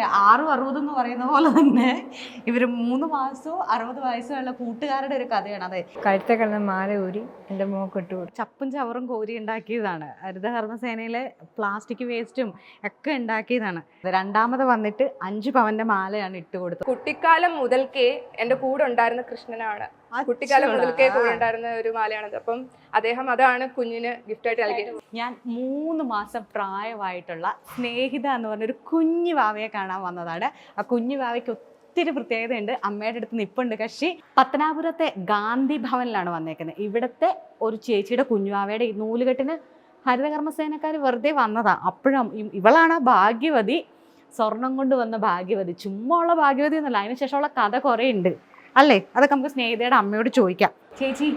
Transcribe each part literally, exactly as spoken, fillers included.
പറയാം ആറും അറുപതും എന്ന് പറയുന്ന പോലെ തന്നെ ഇവർ മൂന്ന് മാസവും അറുപത് വയസ്സുള്ള കൂട്ടുകാരുടെ ഒരു കഥയാണ്. അതെ, കഴുത്തെ കിടന്ന മാല ഊരി എൻ്റെ മോക്ക് ഇട്ടു കൊടുത്തു. ചപ്പും ചവറും കോരി ഉണ്ടാക്കിയതാണ്. ഹരിതകർമ്മസേനയിലെ പ്ലാസ്റ്റിക് വേസ്റ്റും ഒക്കെ ഉണ്ടാക്കിയതാണ്. രണ്ടാമത് വന്നിട്ട് അഞ്ചു പവന്റെ മാലയാണ് ഇട്ട് കൊടുത്തത്. കുട്ടിക്കാലം മുതൽക്കേ എൻ്റെ കൂടെ ഉണ്ടായിരുന്ന കൃഷ്ണനാണ്. കുട്ടിക്കാലം മുതൽക്കേ കൂടെ ഉണ്ടായിരുന്ന ഒരു മാലയാണത്. അപ്പം അദ്ദേഹം അതാണ് കുഞ്ഞിന് ഗിഫ്റ്റായിട്ട് നൽകിയത്. ഞാൻ മൂന്ന് മാസം പ്രായമായിട്ടുള്ള സ്നേഹിത എന്ന് പറഞ്ഞൊരു കുഞ്ഞു വാവയെ കാണാൻ വന്നതാണ്. ആ കുഞ്ഞു വാവയ്ക്ക് ഒത്തിരി പ്രത്യേകതയുണ്ട്. അമ്മയുടെ അടുത്ത് നിപ്പുണ്ട് കക്ഷി. പത്തനാപുരത്തെ ഗാന്ധി ഭവനിലാണ് വന്നേക്കുന്നത്. ഇവിടുത്തെ ഒരു ചേച്ചിയുടെ കുഞ്ഞുവാവയുടെ ഈ നൂലുകെട്ടിന് ഹരിതകർമ്മസേനക്കാർ വെറുതെ വന്നതാ. അപ്പോഴും ഇവളാണ് ഭാഗ്യവതി, സ്വർണം കൊണ്ട് വന്ന ഭാഗ്യവതി. ചുമ്മാ ഉള്ള ഭാഗ്യവതി എന്നല്ല, അതിനുശേഷമുള്ള കഥ കുറേ ഉണ്ട് അല്ലേ? അതൊക്കെ നമുക്ക് സ്നേഹിതയുടെ അമ്മയോട് ചോദിക്കാം. ചേച്ചി,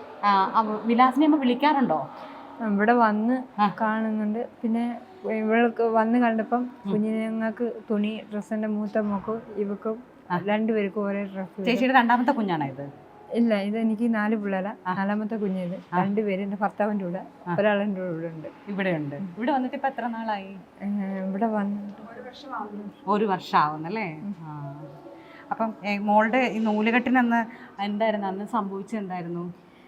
വിലാസിനെ അമ്മ വിളിക്കാറുണ്ടോ? ഇവിടെ വന്ന് കാണുന്നുണ്ട്. പിന്നെ ഇവൾക്ക് വന്ന് കണ്ടപ്പം കുഞ്ഞിനങ്ങൾക്ക് തുണി ഡ്രസ്സിന്റെ മൂത്ത മോക്കും ഇവക്കും രണ്ടുപേർക്കും ഒരേ ഡ്രസ്സ്. ചേച്ചിയുടെ രണ്ടാമത്തെ കുഞ്ഞാണോ ഇത്? ഇല്ല, ഇത് എനിക്ക് നാല് പിള്ളേരാ. നാലാമത്തെ കുഞ്ഞിത് രണ്ടുപേര് എൻ്റെ ഭർത്താവിൻ്റെ കൂടെ, ഒരാളെൻ്റെ കൂടെ ഉണ്ട്. ഇവിടെ ഉണ്ട്. ഇവിടെ വന്നിട്ട് ഇപ്പൊ എത്ര നാളായി? ഇവിടെ വന്നിട്ട് ഒരു വർഷം ആവുന്നല്ലേ? അപ്പം മോളുടെ ഈ നൂലുകെട്ടിനന്ന് എന്തായിരുന്നു അന്ന് സംഭവിച്ചെന്തായിരുന്നു?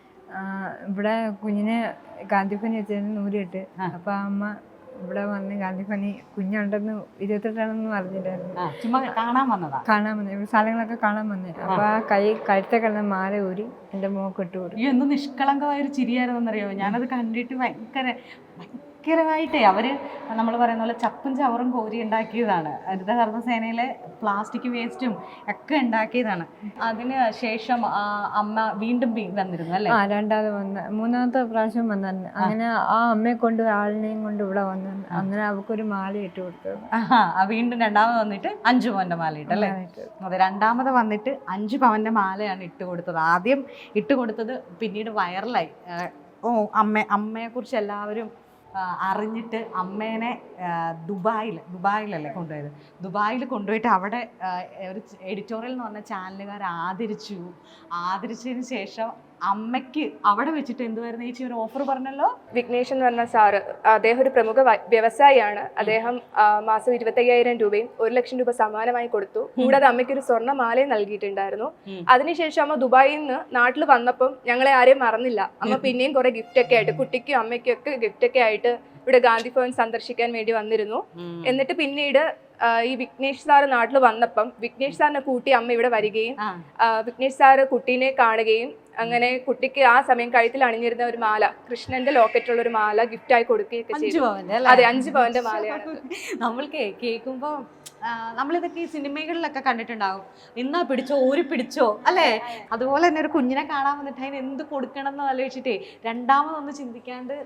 ഇവിടെ കുഞ്ഞിനെ ഗാന്ധിപ്പനി വെച്ചാൽ നൂലിട്ട്. അപ്പൊ അമ്മ ഇവിടെ വന്ന് ഗാന്ധിപ്പനി കുഞ്ഞുണ്ടെന്ന് ഇരുപത്തെട്ടാണെന്ന് പറഞ്ഞില്ലായിരുന്നു. ചുമ്മാ കാണാൻ വന്നതാ? കാണാൻ വന്നേ, ഇവിടെ സ്ഥലങ്ങളൊക്കെ കാണാൻ വന്നേ. അപ്പൊ ആ കൈ കഴുത്തെ കിടന്ന മാല ഊരി എൻ്റെ മോക്ക് ഇട്ടു കൊടുത്തു. ഈ എന്ത് നിഷ്കളങ്കമായൊരു ചിരിയായിരുന്നറിയോ? ഞാനത് കണ്ടിട്ട് ഭയങ്കര ഭയങ്കരമായിട്ടേ അവര് നമ്മൾ പറയുന്ന പോലെ ചപ്പും ചവറും കോരി ഉണ്ടാക്കിയതാണ്. ഹരിതകർമ്മസേനയിലെ പ്ലാസ്റ്റിക് വേസ്റ്റും ഒക്കെ ഉണ്ടാക്കിയതാണ്. അതിന് ശേഷം അമ്മ വീണ്ടും വന്നിരുന്നു അല്ലേ? ആ, രണ്ടാമത് വന്ന മൂന്നാമത്തെ പ്രാവശ്യം വന്നു. അങ്ങനെ ആ അമ്മയെ കൊണ്ട് ആളിനെയും കൊണ്ട് ഇവിടെ വന്നു. അങ്ങനെ അവക്കൊരു മാല ഇട്ട് കൊടുത്തത്. ആ, വീണ്ടും രണ്ടാമത് വന്നിട്ട് അഞ്ചു പവന്റെ മാല ഇട്ടല്ലേ? അതെ, രണ്ടാമത് വന്നിട്ട് അഞ്ചു പവന്റെ മാലയാണ് ഇട്ട് കൊടുത്തത്. ആദ്യം ഇട്ട് കൊടുത്തത് പിന്നീട് വൈറലായി. ഓ, അമ്മ അമ്മയെ കുറിച്ച് എല്ലാവരും അറിഞ്ഞിട്ട് അമ്മേനെ ദുബായിൽ ദുബായിലല്ലേ കൊണ്ടുപോയത്. ദുബായിൽ കൊണ്ടുപോയിട്ട് അവിടെ ഒരു എഡിറ്റോറിയൽ എന്ന് പറഞ്ഞ ചാനലുകാർ ആദരിച്ചു. ആദരിച്ചതിന് ശേഷം അമ്മയ്ക്ക് അവിടെ വെച്ചിട്ട് എന്തുവായിരുന്നു ചേച്ചി ഒരു ഓഫർ പറഞ്ഞല്ലോ? വിഘ്നേഷ് എന്ന് പറഞ്ഞ സാറ്, അദ്ദേഹം ഒരു പ്രമുഖ വ്യവസായിയാണ്. അദ്ദേഹം മാസം ഇരുപത്തി അയ്യായിരം രൂപയും ഒരു ലക്ഷം രൂപ സമ്മാനമായി കൊടുത്തു. കൂടാതെ അമ്മയ്ക്ക് ഒരു സ്വർണ്ണ മാലയും നൽകിയിട്ടുണ്ടായിരുന്നു. അതിനുശേഷം അമ്മ ദുബായിൽ നിന്ന് നാട്ടിൽ വന്നപ്പം ഞങ്ങളെ ആരെയും മറന്നില്ല. അമ്മ പിന്നെയും കുറെ ഗിഫ്റ്റ് ഒക്കെ ആയിട്ട് കുട്ടിക്കും അമ്മയ്ക്കും ഒക്കെ ഗിഫ്റ്റ് ഒക്കെ ആയിട്ട് ഇവിടെ ഗാന്ധി ഭവൻ സന്ദർശിക്കാൻ വേണ്ടി വന്നിരുന്നു. എന്നിട്ട് പിന്നീട് ഈ വിഘ്നേഷ് സാറ് നാട്ടിൽ വന്നപ്പം വിഘ്നേഷ് സാറിനെ കൂട്ടി അമ്മ ഇവിടെ വരികയും വിഘ്നേഷ് സാറ് കുട്ടീനെ കാണുകയും അങ്ങനെ കുട്ടിക്ക് ആ സമയം കഴുത്തിൽ അണിഞ്ഞിരുന്ന ഒരു മാല, കൃഷ്ണന്റെ ലോക്കറ്റുള്ള ഒരു മാല ഗിഫ്റ്റായി കൊടുക്കുകയൊക്കെ ചെയ്തു. അതെ, അഞ്ചു പവന്റെ മാലയാണ്. നമ്മൾക്ക് കേൾക്കുമ്പോ നമ്മളിതൊക്കെ ഈ സിനിമകളിലൊക്കെ കണ്ടിട്ടുണ്ടാവും. ഇന്നാ പിടിച്ചോ ഊരി പിടിച്ചോ അല്ലേ? അതുപോലെ തന്നെ ഒരു കുഞ്ഞിനെ കാണാൻ വന്നിട്ട് അതിന് എന്ത് കൊടുക്കണം എന്ന് ആലോചിച്ചിട്ടേ രണ്ടാമതൊന്ന് ചിന്തിക്കാണ്ട്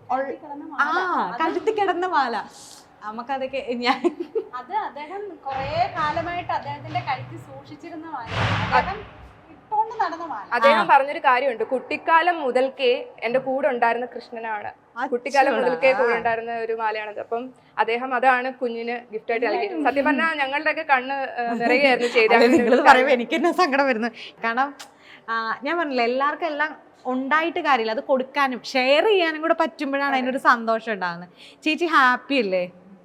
ആ കഴുത്തി കിടന്ന മാല നമുക്കതൊക്കെ ഞാൻ അത് അദ്ദേഹം കുറെ കാലമായിട്ട് അദ്ദേഹത്തിന്റെ കഴുത്തി സൂക്ഷിച്ചിരുന്ന മാല, ഇട്ടുകൊണ്ട് നടന്ന മാല. അദ്ദേഹം പറഞ്ഞൊരു കാര്യമുണ്ട്, കുട്ടിക്കാലം മുതൽക്കേ എൻ്റെ കൂടെ ഉണ്ടായിരുന്ന കൃഷ്ണനാണ്. കുട്ടിക്കാലം മുതൽക്കേ കൂടെ ഉണ്ടായിരുന്ന ഒരു മാലയാണത്. അപ്പം അദ്ദേഹം അതാണ് കുഞ്ഞിന് ഗിഫ്റ്റായിട്ട് നൽകിയത്. സത്യം പറഞ്ഞാൽ ഞങ്ങളുടെ ഒക്കെ കണ്ണ് നിറയുകയായിരുന്നു ചെയ്തത്. പറയുമ്പോൾ എനിക്ക് തന്നെ സങ്കടം വരുന്നു. കാരണം ഞാൻ പറഞ്ഞില്ല, എല്ലാവർക്കും എല്ലാം ഉണ്ടായിട്ട് കാര്യമില്ല, അത് കൊടുക്കാനും ഷെയർ ചെയ്യാനും കൂടെ പറ്റുമ്പോഴാണ് അതിനൊരു സന്തോഷം ഉണ്ടാകുന്നത്. ചേച്ചി ഹാപ്പി അല്ലേ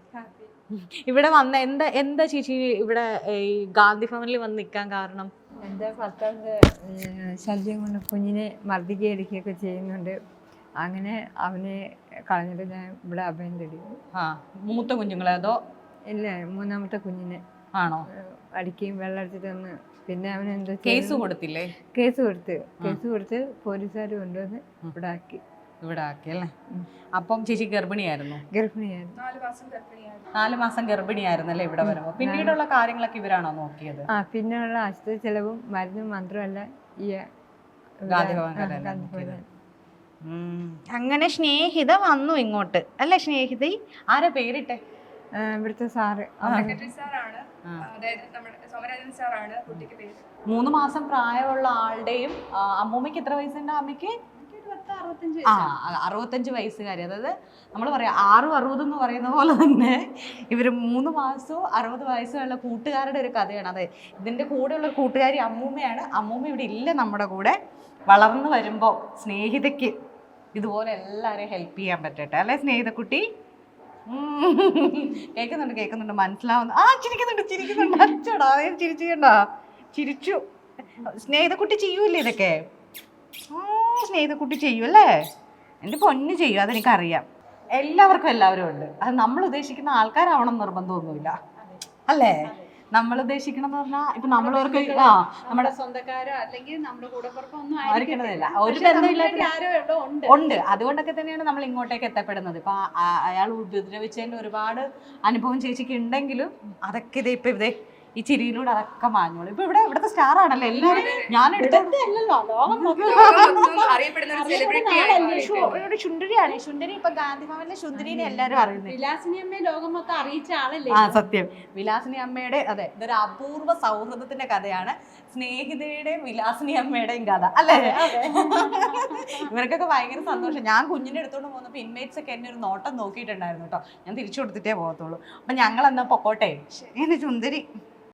ഇവിടെ വന്ന? എന്താ എന്താ ചേച്ചി ഇവിടെ ഈ ഗാന്ധി ഭവനിൽ വന്ന് നിൽക്കാൻ കാരണം? എൻ്റെ ഭർത്താവിൻ്റെ ശല്യം കൊണ്ട് കുഞ്ഞിനെ മർദ്ദിക്കുക എടുക്കുകയൊക്കെ ചെയ്യുന്നുണ്ട്. അങ്ങനെ അവനെ കളഞ്ഞിട്ട് ഞാൻ ഇവിടെ അഭയം തേടി. ആ, മൂത്ത കുഞ്ഞുങ്ങളെ അതോ? ഇല്ല, മൂന്നാമത്തെ കുഞ്ഞിനെ ആണോ അടിക്കുകയും വെള്ളം അടിച്ചിട്ട് വന്ന്. പിന്നെ അവൻ എന്താ കേസ് കൊടുത്തില്ലേ? കേസ് കൊടുത്ത് കേസ് കൊടുത്ത് പോലീസുകാർ കൊണ്ടുവന്ന് ഇവിടെ ആക്കി ഇവിടെ ആക്കി അല്ലേ? അപ്പം ചേച്ചി ഗർഭിണിയായിരുന്നു? ഗർഭിണിയായിരുന്നു, നാല് മാസം ഗർഭിണിയായിരുന്നല്ലേ ഇവിടെ വരുമ്പോ? പിന്നീടുള്ള കാര്യങ്ങളൊക്കെ ഇവരാണോ നോക്കിയത്? ആ, പിന്നെയുള്ള ആശുപത്രി ചെലവും മരുന്നും മാത്രമല്ല ഈ ഗാന്ധി ഭവൻ. അങ്ങനെ സ്നേഹിത വന്നു ഇങ്ങോട്ട് അല്ലേ? സ്നേഹിത ആരാ പേരിട്ടെ? ഇവിടുത്തെ സാറ് മൂന്ന് മാസം പ്രായമുള്ള ആളുടെയും അമ്മൂമ്മയ്ക്ക് എത്ര വയസ്സുണ്ട്? അമ്മയ്ക്ക് ആ അറുപത്തഞ്ച് വയസ്സുകാരി. അതായത് നമ്മൾ പറയാം ആറും അറുപതും എന്ന് പറയുന്ന പോലെ തന്നെ ഇവർ മൂന്ന് മാസവും അറുപത് വയസ്സുള്ള കൂട്ടുകാരുടെ ഒരു കഥയാണ്. അതെ, ഇതിൻ്റെ കൂടെയുള്ള കൂട്ടുകാരി അമ്മൂമ്മയാണ്. അമ്മൂമ്മ ഇവിടെ ഇല്ല നമ്മുടെ കൂടെ. വളർന്നു വരുമ്പോൾ സ്നേഹിതയ്ക്ക് ഇതുപോലെ എല്ലാവരെയും ഹെൽപ്പ് ചെയ്യാൻ പറ്റട്ടെ അല്ലേ സ്നേഹിതക്കുട്ടി? കേൾക്കുന്നുണ്ട് കേൾക്കുന്നുണ്ട് മനസ്സിലാവുന്നു. ആ ചിരിക്കുന്നുണ്ട് ചിരിക്കുന്നുണ്ട്. അച്ചോടാ അതേ ചിരിച്ചുണ്ട ചിരിച്ചു. സ്നേഹിതക്കുട്ടി ചെയ്യൂല്ലേ ഇതൊക്കെ? സ്നേഹിതക്കുട്ടി ചെയ്യൂല്ലേ? എൻ്റെ പൊന്ന് ചെയ്യും, അതെനിക്കറിയാം. എല്ലാവർക്കും എല്ലാവരും ഉണ്ട്. അത് നമ്മൾ ഉദ്ദേശിക്കുന്ന ആൾക്കാരാവണം നിർബന്ധമൊന്നുമില്ല അല്ലേ? നമ്മൾ ഉദ്ദേശിക്കണം എന്ന് പറഞ്ഞാൽ ഇപ്പൊ നമ്മളവർക്ക് ആ നമ്മുടെ സ്വന്തക്കാരോ അല്ലെങ്കിൽ നമ്മുടെ കൂടപ്പുറപ്പോ ഒന്നും ആയിരിക്കണതില്ല, ആയിരിക്കത്തില്ല. ഒരു പക്ഷെ ബന്ധമില്ലാത്ത നമ്മളിലേക്ക് ആരോ എവിടെ ഉണ്ട്. ഉണ്ട്. അതുകൊണ്ടൊക്കെ തന്നെയാണ് നമ്മൾ ഇങ്ങോട്ടേക്ക് എത്തപ്പെടുന്നത്. ഇപ്പൊ ആ- അയാൾ ഉപദ്രവിച്ചതിന്റെ ഒരുപാട് അനുഭവം ചേച്ചിക്ക് ഉണ്ടെങ്കിലും അതൊക്കെ ഇതേ ഇപ്പൊ ഇതേ ഈ ചിരിയിലൂടെ അതൊക്കെ മാഞ്ഞോളൂ. ഇപ്പൊ ഇവിടെ ഇവിടുത്തെ സ്റ്റാർ ആണല്ലോ എല്ലാവരും. ഞാൻ എടുത്തത് അല്ലല്ലോ ലോകം മൊത്തം അറിയപ്പെടുന്ന ഒരു സെലിബ്രിറ്റി ആളല്ലേ. ഇവിടെ ശുണ്ടരിയാണ്. ശുണ്ടരി ഇപ്പൊ ഗാന്ധി ഭവനിലെ ശുണ്ടരിനെ എല്ലാരും അറിയുന്നത്. വിലാസിനി അമ്മയെ ലോകം മൊത്തം അറിയിച്ച ആളല്ലേ. ആ സത്യം. വിലാസിനി അമ്മയുടെ അതെ ഇതൊരു അപൂർവ സൗഹൃദത്തിന്റെ കഥയാണ്. സ്നേഹിതയുടെയും വിലാസിനി അമ്മയുടെയും കഥ അല്ലേ? ഇവർക്കൊക്കെ ഭയങ്കര സന്തോഷം. ഞാൻ കുഞ്ഞിനെ എടുത്തോണ്ട് പോകുന്നപ്പോ ഇൻമേറ്റ്സ് ഒക്കെ എന്നെ ഒരു നോട്ടം നോക്കിയിട്ടുണ്ടായിരുന്നു കേട്ടോ. ഞാൻ തിരിച്ചു കൊടുത്തിട്ടേ പോകത്തുള്ളൂ. അപ്പൊ ഞങ്ങൾ എന്നാ പൊക്കോട്ടെ. ശരി സുന്ദരി.